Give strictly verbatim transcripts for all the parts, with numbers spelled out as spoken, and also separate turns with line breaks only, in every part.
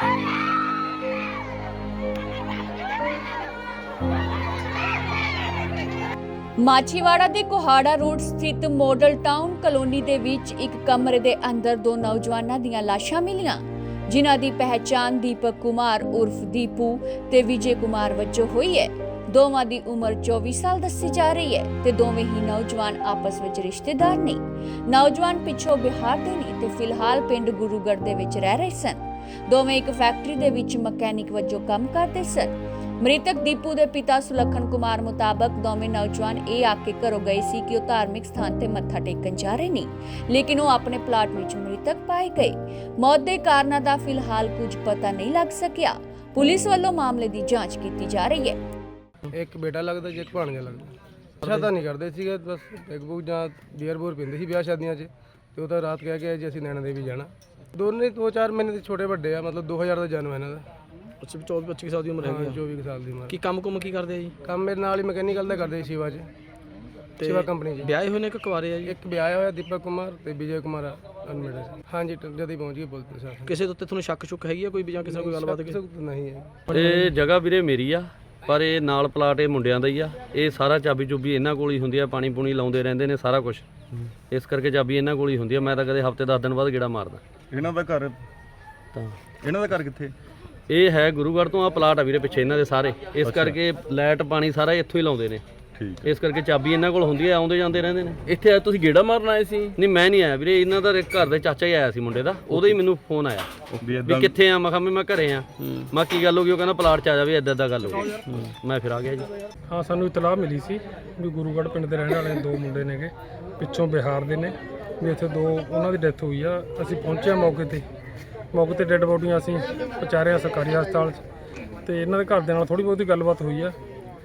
ਮਾਛੀਵਾੜਾ ਦੇ ਕੋਹਾੜਾ ਰੋਡ ਸਥਿਤ model town colony ਦੇ ਵਿੱਚ ਇੱਕ ਕਮਰੇ ਦੇ ਅੰਦਰ ਦੋ ਨੌਜਵਾਨਾਂ ਦੀਆਂ ਲਾਸ਼ਾਂ ਮਿਲੀਆਂ, ਜਿਨ੍ਹਾਂ ਦੀ ਪਹਿਚਾਣ ਦੀਪਕ ਕੁਮਾਰ ਉਰਫ ਦੀਪੂ ਤੇ ਵਿਜੇ ਕੁਮਾਰ ਵਜੋਂ ਹੋਈ ਹੈ। ਦੋਵਾਂ ਦੀ ਉਮਰ ਚੌਵੀ ਸਾਲ ਦੱਸੀ ਜਾ ਰਹੀ ਹੈ ਤੇ ਦੋਵੇਂ ਹੀ ਨੌਜਵਾਨ ਆਪਸ ਵਿੱਚ ਰਿਸ਼ਤੇਦਾਰ ਨੇ। ਨੌਜਵਾਨ ਪਿੱਛੋਂ ਬਿਹਾਰ ਦੇ ਨੇ ਤੇ ਫਿਲਹਾਲ ਪਿੰਡ ਗੁਰੂਗੜ੍ਹ ਦੇ ਵਿੱਚ ਰਹਿ ਰਹੇ ਸਨ। ਦੋਵੇਂ ਇੱਕ ਫੈਕਟਰੀ ਦੇ ਵਿੱਚ ਮਕੈਨਿਕ ਵਜੋਂ ਕੰਮ ਕਰਦੇ ਸਨ। ਮ੍ਰਿਤਕ ਦੀਪੂ ਦੇ ਪਿਤਾ ਸੁਲੱਖਣ ਕੁਮਾਰ ਮੁਤਾਬਕ ਦੋਵੇਂ ਨੌਜਵਾਨ ਇਹ ਆ ਕੇ ਘਰੋਂ ਗਏ ਸੀ ਕਿ ਉਹ ਧਾਰਮਿਕ ਸਥਾਨ ਤੇ ਮੱਥਾ ਟੇਕਣ ਜਾ ਰਹੇ ਨੇ, ਲੇਕਿਨ ਉਹ ਆਪਣੇ ਪਲਾਟ ਵਿੱਚ ਮ੍ਰਿਤਕ ਪਾਏ ਗਏ। ਮੌਤ ਦੇ ਕਾਰਨਾਂ ਦਾ ਫਿਲਹਾਲ ਕੁਝ ਪਤਾ ਨਹੀਂ ਲੱਗ ਸਕਿਆ। ਪੁਲਿਸ ਵੱਲੋਂ ਮਾਮਲੇ ਦੀ ਜਾਂਚ ਕੀਤੀ ਜਾ ਰਹੀ ਹੈ।
ਇੱਕ ਬੇਟਾ ਲੱਗਦਾ ਜੇ ਇੱਕ ਭਾਣਜਾ ਲੱਗਦਾ। ਅੱਛਾ ਤਾਂ ਨਹੀਂ ਕਰਦੇ ਸੀਗੇ, ਬਸ ਇੱਕ ਬੂਕ ਜਾਂ ਬੀਅਰ ਬੂਰ ਪੀਂਦੇ ਸੀ ਵਿਆਹ ਸ਼ਾਦੀਆਂ 'ਚ, ਤੇ ਉਹ ਤਾਂ ਰਾਤ ਕਹਿ ਕੇ ਜੀ ਅਸੀਂ ਨੈਣਾ ਦੇਵੀ ਜਾਣਾ। ਦੋਨੇ ਦੋ ਚਾਰ ਮਹੀਨੇ ਦੇ ਛੋਟੇ ਵੱਡੇ ਆ, ਮਤਲਬ ਦੋ ਹਜ਼ਾਰ ਦਾ ਜਨਮ ਹੈ ਇਹਨਾਂ ਦਾ।
ਅੱਛਾ, ਚੌਵੀ ਪੱਚੀ ਸਾਲ ਦੀ ਉਮਰ ਹੈਗੀ ਆ।
ਚੌਵੀ ਸਾਲ ਦੀ ਉਮਰ।
ਕੀ ਕੰਮ ਕੁਮ ਕੀ ਕਰਦੇ ਆ ਜੀ?
ਕੰਮ ਮੇਰੇ ਨਾਲ ਹੀ ਮਕੈਨੀਕਲ ਦਾ ਕਰਦੇ ਸੀ ਸ਼ਿਵਾ 'ਚ, ਸ਼ਿਵਾ ਕੰਪਨੀ 'ਚ।
ਵਿਆਹੇ ਹੋਏ ਨੇ ਕਿ ਕੁਆਰੇ ਆ ਜੀ?
ਇੱਕ ਵਿਆਹ ਹੋਇਆ ਦੀਪਕ ਕੁਮਾਰ ਤੇ ਵਿਜੇ ਕੁਮਾਰ ਅਨਮੈਰਿਡ। ਹਾਂਜੀ, ਜਦ ਹੀ ਪਹੁੰਚ ਗਏ ਪੁਲਿਸ ਪ੍ਰਸ਼ਾਸਨ।
ਕਿਸੇ ਦੇ ਉੱਤੇ ਤੁਹਾਨੂੰ ਸ਼ੱਕ ਸ਼ੁੱਕ ਹੈਗੀ ਆ ਕੋਈ ਵੀ ਜਾਂ ਕਿਸੇ ਨਾਲ ਕੋਈ ਗੱਲਬਾਤ?
ਕਿਸੇ ਨੂੰ ਨਹੀਂ ਹੈ।
ਇਹ ਜਗ੍ਹਾ ਵੀਰੇ ਮੇਰੀ ਆ, ਪਰ ਇਹ ਨਾਲ ਪਲਾਟ ਇਹ ਮੁੰਡਿਆਂ ਦਾ ਹੀ ਆ। ਇਹ ਸਾਰਾ ਚਾਬੀ ਚੁਬੀ ਇਹਨਾਂ ਕੋਲ ਹੀ ਹੁੰਦੀ ਆ, ਪਾਣੀ ਪੂਣੀ ਲਾਉਂਦੇ ਰਹਿੰਦੇ ਨੇ ਸਾਰਾ ਕੁਝ, ਇਸ ਕਰਕੇ ਚਾਬੀ ਇਹਨਾਂ ਕੋਲ ਹੀ ਹੁੰਦੀ ਆ। ਮੈਂ ਤਾਂ ਕਦੇ ਹਫ਼ਤੇ ਦਸ ਦਿਨ ਬਾਅਦ ਗੇੜਾ ਮਾਰਦਾ।
ਇਹਨਾਂ ਦਾ ਘਰ
ਤਾਂ
ਇਹਨਾਂ ਦਾ ਘਰ ਕਿੱਥੇ?
ਇਹ ਹੈ ਗੁਰੂਗੜ੍ਹ ਤੋਂ। ਆ ਪਲਾਟ ਆ ਵੀਰੇ ਪਿੱਛੇ ਇਹਨਾਂ ਦੇ ਸਾਰੇ, ਇਸ ਕਰਕੇ ਲਾਈਟ ਪਾਣੀ ਸਾਰਾ ਇੱਥੋਂ ਹੀ ਲਾਉਂਦੇ ਨੇ।
ਠੀਕ,
ਇਸ ਕਰਕੇ ਚਾਬੀ ਇਹਨਾਂ ਕੋਲ ਹੁੰਦੀ ਆ, ਆਉਂਦੇ ਜਾਂਦੇ ਰਹਿੰਦੇ ਨੇ।
ਇੱਥੇ ਆ ਤੁਸੀਂ ਗੇੜਾ ਮਾਰਨ ਆਏ ਸੀ?
ਨਹੀਂ ਮੈਂ ਨਹੀਂ ਆਇਆ ਵੀਰੇ, ਇਹਨਾਂ ਦਾ ਘਰ ਦੇ ਚਾਚਾ ਹੀ ਆਇਆ ਸੀ ਮੁੰਡੇ ਦਾ, ਉਹਦਾ ਹੀ ਮੈਨੂੰ ਫੋਨ ਆਇਆ ਵੀ ਕਿੱਥੇ ਆ। ਮੈਂ ਕਿਹਾ ਵੀ ਮੈਂ ਘਰੇ ਆ। ਮੈਂ ਕੀ ਗੱਲ ਹੋ ਗਈ? ਉਹ ਕਹਿੰਦਾ ਪਲਾਟ 'ਚ ਆ ਜਾ ਵੀ ਇੱਦਾਂ ਇੱਦਾਂ ਗੱਲ ਹੋ ਗਈ। ਮੈਂ ਫਿਰ ਆ ਗਿਆ ਜੀ।
ਹਾਂ, ਸਾਨੂੰ ਇਤਲਾਹ ਮਿਲੀ ਸੀ ਵੀ ਗੁਰੂਗੜ੍ਹ ਪਿੰਡ ਦੇ ਰਹਿਣ ਵਾਲੇ ਦੋ ਮੁੰਡੇ ਨੇਗੇ, ਪਿੱਛੋਂ ਬਿਹਾਰ ਦੇ ਨੇ, ਵੀ ਇੱਥੇ ਦੋ ਉਹਨਾਂ ਦੀ ਡੈਥ ਹੋਈ ਆ। ਅਸੀਂ ਪਹੁੰਚੇ ਮੌਕੇ ਤੇ ਮੌਕੇ ਤੇ ਡੈੱਡ ਬੋਡੀਆਂ ਅਸੀਂ ਪਹੁੰਚਾਰਿਆ ਸਰਕਾਰੀ ਹਸਪਤਾਲ 'ਚ, ਤੇ ਇਹਨਾਂ ਦੇ ਘਰ ਦੇ ਨਾਲ ਥੋੜ੍ਹੀ ਬਹੁਤੀ ਗੱਲਬਾਤ ਹੋਈ ਆ,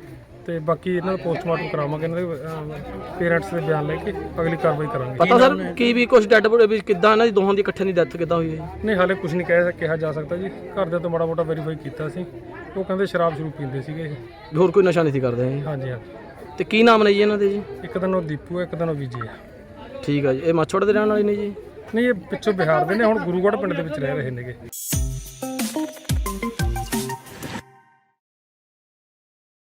ਤੇ ਬਾਕੀ ਇਹਨਾਂ ਦਾ ਪੋਸਟਮਾਰਟਮ ਕਰਾਵਾਂਗੇ। ਇਹਨਾਂ ਦੇ ਪੇਰੈਂਟਸ ਦੇ ਬਿਆਨ ਲੈ ਕੇ ਅਗਲੀ ਕਾਰਵਾਈ ਕਰਾਂਗੇ।
ਪਤਾ ਸਰ ਕੀ ਵੀ ਕੁਝ ਡੈਡ ਬੋਡੀ ਵੀ ਕਿੱਦਾਂ ਇਹਨਾਂ ਦੀ ਦੋਹਾਂ ਦੀ ਇਕੱਠੇ ਦੀ ਡੈਥ ਕਿੱਦਾਂ ਹੋਈ ਹੈ?
ਨਹੀਂ, ਹਾਲੇ ਕੁਝ ਨਹੀਂ ਕਹਿ ਕਿਹਾ ਜਾ ਸਕਦਾ ਜੀ। ਘਰਦਿਆਂ ਤੋਂ ਮਾੜਾ ਮੋਟਾ ਵੈਰੀਫਾਈ ਕੀਤਾ ਸੀ, ਉਹ ਕਹਿੰਦੇ ਸ਼ਰਾਬ ਸ਼ੁਰੂ ਪੀਂਦੇ ਸੀਗੇ ਇਹ।
ਹੋਰ ਕੋਈ ਨਸ਼ਾ ਨਹੀਂ ਸੀ ਕਰਦੇ ਜੀ?
ਹਾਂਜੀ ਹਾਂਜੀ।
ਤੇ ਕੀ ਨਾਮ ਨੇ ਜੀ ਇਹਨਾਂ ਦੇ ਜੀ?
ਇੱਕ ਦਿਨ ਉਹ ਦੀਪੂ ਹੈ, ਇੱਕ ਦਿਨ ਉਹ ਵਿਜੇ ਹੈ।
ਠੀਕ ਆ ਜੀ। ਇਹ ਮਾਛੋੜ ਦੇ ਰਹਿਣ ਵਾਲੇ ਨੇ ਜੀ?
ਨਹੀਂ, ਇਹ ਪਿੱਛੋਂ ਬਿਹਾਰ ਦੇ ਨੇ, ਹੁਣ ਗੁਰੂਗੜ੍ਹ ਪਿੰਡ ਦੇ ਵਿੱਚ ਰਹਿ ਰਹੇ ਨੇਗੇ।